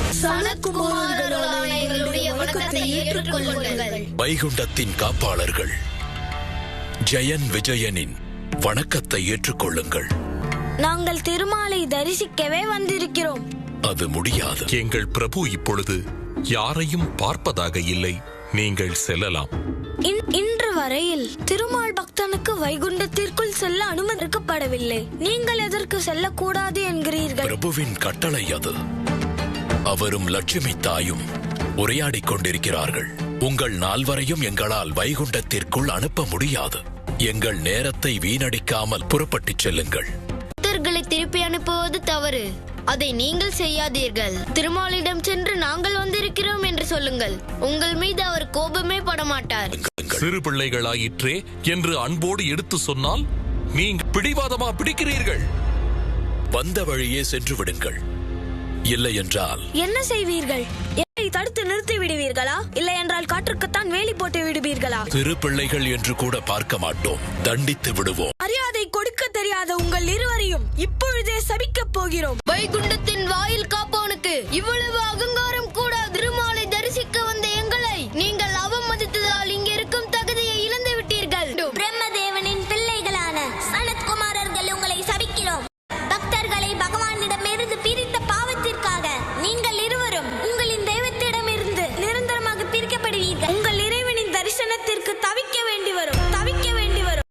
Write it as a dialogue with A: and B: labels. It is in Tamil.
A: சனத்குமாரர்களான எங்களுடைய வணக்கத்தை ஏற்றுக்கொள்ளுங்கள்.
B: வைகுண்டத்தின் காப்பாளர்கள் ஜெயன் விஜயனின் வணக்கத்தை ஏற்றுக்கொள்ளுங்கள்.
C: நாங்கள் திருமாலை தரிசிக்கவே வந்திருக்கிறோம்.
B: அது முடியாது.
D: எங்கள் பிரபு இப்பொழுது யாரையும் பார்ப்பதாக இல்லை. நீங்கள் செல்லலாம்.
C: இன்று வரையில் திருமால் பக்தனுக்கு வைகுண்டத்திற்குள் செல்ல அனுமதிக்கப்படவில்லை. நீங்கள் எதற்கு செல்லக்கூடாது என்கிறீர்கள்?
B: பிரபுவின் கட்டளை அது. அவரும் லட்சுமி தாயும் உரையாடிக் கொண்டிருக்கிறார்கள். உங்கள் நால்வரையும் எங்களால் வைகுண்டத்திற்குள் அனுப்ப முடியாது. எங்கள் நேரத்தை வீணடிக்காமல் புறப்பட்டுச் செல்லுங்கள்.
A: பக்தர்களை திருப்பி அனுப்புவது தவறு. அதை நீங்கள் செய்யாதீர்கள். திருமாலிடம் சென்று நாங்கள் வந்திருக்கிறோம் என்று சொல்லுங்கள். உங்கள் மீது அவர் கோபமே படமாட்டார்.
D: சிறு பிள்ளைகளாயிற்றே என்று அன்போடு எடுத்து சொன்னால் நீங்கள் பிடிவாதமா பிடிக்கிறீர்கள்.
B: வந்த வழியே சென்று விடுங்கள். இல்லை என்றால்
C: என்ன செய்வீர்கள்? என்னை தடுத்து நிறுத்தி விடுவீர்களா? இல்லை என்றால் காற்றுக்குத்தான் வேலி போட்டு விடுவீர்களா?
B: சிறு பிள்ளைகள் என்று கூட பார்க்க மாட்டோம். தண்டித்து விடுவோம்.
C: மரியாதை கொடுக்க தெரியாத உங்கள் இருவரையும் இப்பொழுதே சபிக்கப் போகிறோம்.
A: வைகுண்டத்தின் வாயில் காப்பவனுக்கு இவ்வளவு அகங்காரம்